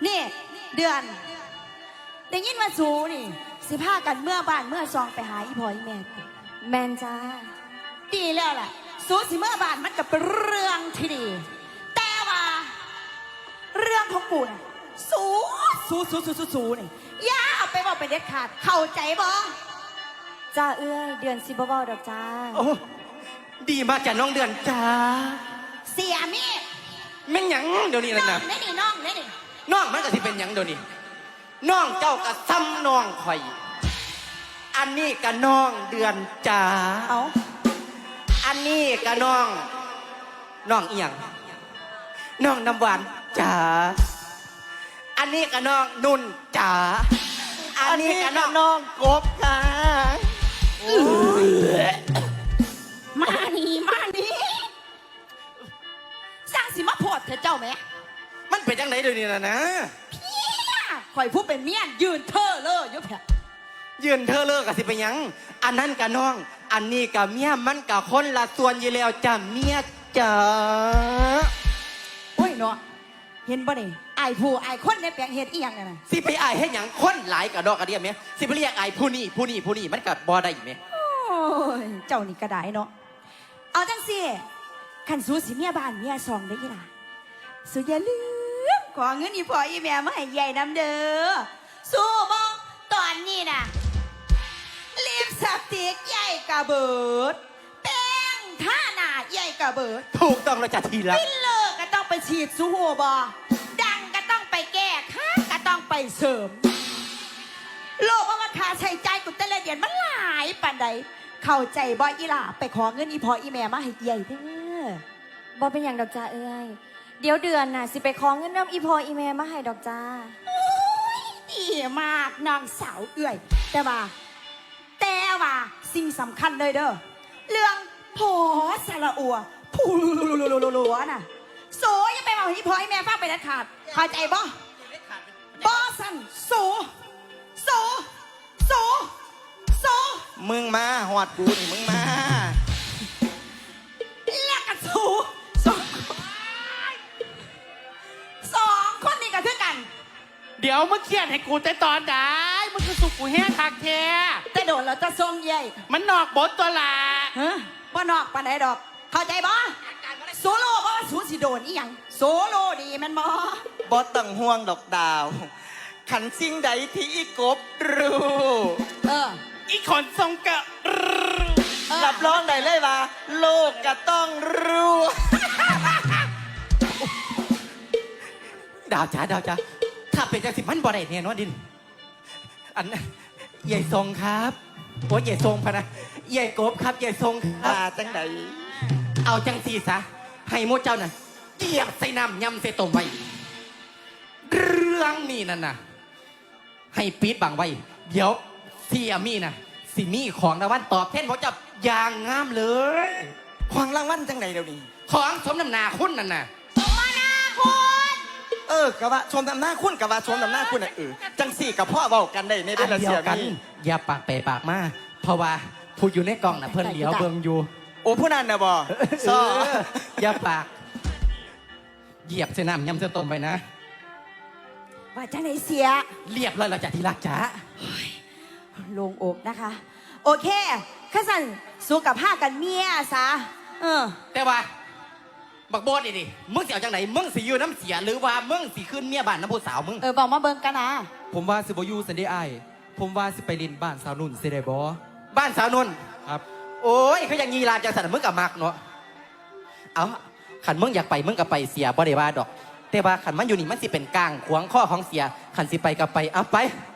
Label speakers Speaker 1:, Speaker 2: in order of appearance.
Speaker 1: นี่เดือนได้ยินว่าสูนี่สิพากันเมื่อบ้านเมื่อซองไปหาอีพ่ออีแม่
Speaker 2: แมนจ้า
Speaker 1: ดีแล้วล่ะสูสิเมื่อบ้านมันก็เป็นเรื่องที่ดีแต่ว่าเรื่องของกูน่ะสูนี่อย่าเอาไปบอกไปเด็ดขาดเข้าใจบ่
Speaker 2: จ้าเอื้อยเดือนสิบ่เว้าดอกจ้า
Speaker 3: โอ้ดีมากจ้ะน้องเดือนจ้า
Speaker 1: เสียมี
Speaker 3: แม่งหยังเดี๋ยวนี้นะ
Speaker 1: น้องนี่
Speaker 3: น้องมันก็สิเป็นหยังเดี๋ยวนี้น้องเจ้าก็ซ้ำน้องข่อยอันนี้ก็น้องเดือนจ้า
Speaker 1: เอา
Speaker 3: อันนี้ก็น้องเอียงน้องน้ำหวานจ้าอันนี้ก็น้องนุ่นจ้าอันนี้ก็น้องกบค่ะ
Speaker 1: มานี่สร้างสิมาโพดเถอะเจ้าแม่
Speaker 3: มันเป็นจังไหนเดี๋ยวนี้นะ
Speaker 1: ข่อยผู้เป็นเมียยืนเธอเลยยุบแผล
Speaker 3: ยืนเธอเลิกกับสิเป็นยังอันนั้นกับน้องอันนี้กับเมียมันกับคนละส่วนอยู่แล้วจ้ะเมียจ๋า
Speaker 1: โอ้ยเนาะเห็นบ่นี่ไอ้ผู้ไอ้คนในแปลงเฮ็ดอีหยังน่ะ
Speaker 3: สิไปไอ้ให้หยังคนหลายกับดอกกระเดียมไหมสิไปเรียกไอ้ผู้นี่มันกับบ่ได้ไหม
Speaker 1: โอ้ยเจ้านี่กระไดเนาะเอาจังสิขันสู้สิเมียบ้านเมียซองได้ยี่ล่ะสู้อย่าลืมขอเงินอีพ่ออีแม่มาให้ใหญ่น้ำเด้อสู้บ่ตอนนี้น่ะลิปสติกใหญ่กระเบิดแป้งท่าหน้าใหญ่กระเบิด
Speaker 3: ถูกต้องแล้วจ้ะทีละ
Speaker 1: ฟิลเลอร์ก็ต้องไปฉีดสู้หัวบ่ดังก็ต้องไปแก้ค่าก็ต้องไปเสริมโลกว่าค่าใช้จ่ายกุแต่ละเดือนมันหลายปานใดเข้าใจบ่อีหล่าไปขอเงินอีพ่ออีแม่มาให้ใหญ่เด้อ
Speaker 2: บ่เป็นอย่างดอกจ้าเอื้อยเดี๋ยวเดือนน่ะสิไปขอเงินน้ำอีพ่ออีแม่มาให้ดอกจ้า
Speaker 1: ดีมากนางสาวเอื้อยแต่ว่าสิ่งสำคัญเลยเด้อเรื่องพอสระอัวพูลัวน่ะโสยังไปบอกให้พ่อให้แม่ฟังไปนัดขาดเข้าใจบ่บ่สันโส
Speaker 3: มึงมาหอดกูนี่มึงมา
Speaker 1: แล้วกันสองคนนี้ก็คือกัน
Speaker 4: เดี๋ยวมึงเครียดให้กูแต่ตอนไหนมึงคือสุกกูแห้งคักแท้
Speaker 1: แต่โดนเราจะทรงใหญ่
Speaker 4: มันนอกบทตัวละ
Speaker 1: ว่านอกปานไหนดอกเข้าใจบ่โซโล่บ่สูสิโดนอีหยังโซโล่ดีมันบ่
Speaker 3: ต้องห่วงดอกดาวขันสิ่งใดที่อีกบรู้
Speaker 4: อีขนทรงกะ
Speaker 3: รับรองได้เลยว่าโลกก็ต้องรู้ดาวจ๋าถ้าเป็นจังสิมันบ่ได้เนี่ยน้องดินอันใหญ่ทรงครับโอ้ใหญ่ทรงพะนะใหญ่กบครับใหญ่ทรงจังใดเอาจังสีซะให้โมเจ้าน่ะเกียบใส่น้ำยำใส่ต้มไว้เรื่องนี้นั่นน่ะให้ปี๊ดบังไว้เดี๋ยวที่อามี่น่ะสิมีของรางวัลตอบแทนโมเจ้าอย่างงามเลยของรางวัลจังไหนเดี๋ยวนี้ของสมน้ำหน้าคุณนั่นน่ะ
Speaker 1: สมน้าคุณ
Speaker 3: กะว่าชมน้ำหน้าคุณกะว่าชมน้ำหน้าคุณน่ะจังสี่กับพ่อเว้ากันได้ในเดือนเสียกันอย่าปากเปปากมาเพราะว่าผู้อยู่ในกล่องน่ะเพิ่นเหลียวเบิ่งอยู่โอ้ผู้นั้นน่ะบ่อย่าปากเหยียบเส้นน้ำยำเส้นต้มไปนะ
Speaker 1: ว่าจังไหนเสีย
Speaker 3: เรียบเลยเราจะที่รักจ๋า
Speaker 1: ลงอกนะคะโอเคข้าสั่นสู้กับผ้ากันเมียซะ
Speaker 3: แต่ว่าบักโบดดิมึงสิเอาจังไหนมึงสิอยู่น้ำเสียหรือว่ามึงสิขึ้นเมียบ้านน้ำผู้สาวมึง
Speaker 1: บอกมาเบิ่งกันนะ
Speaker 5: ผมว่าสิบยูสันได้ไอผมว่าสิไปเรียนบ้านสาวนุ่นสิได้บอ
Speaker 3: บ้านสาวนุ่น
Speaker 5: ครับ
Speaker 3: โอ้ยเขายังยีราจังสันมึงกับมักเนาะเอาขันมึงอยากไปมึงกับไปเสียบ่ได้ว่าดอกแต่ว่าขันมันอยู่นี่มันสิเป็นกลางขวางข้อของเสียขันสิไปกับไปเอาไป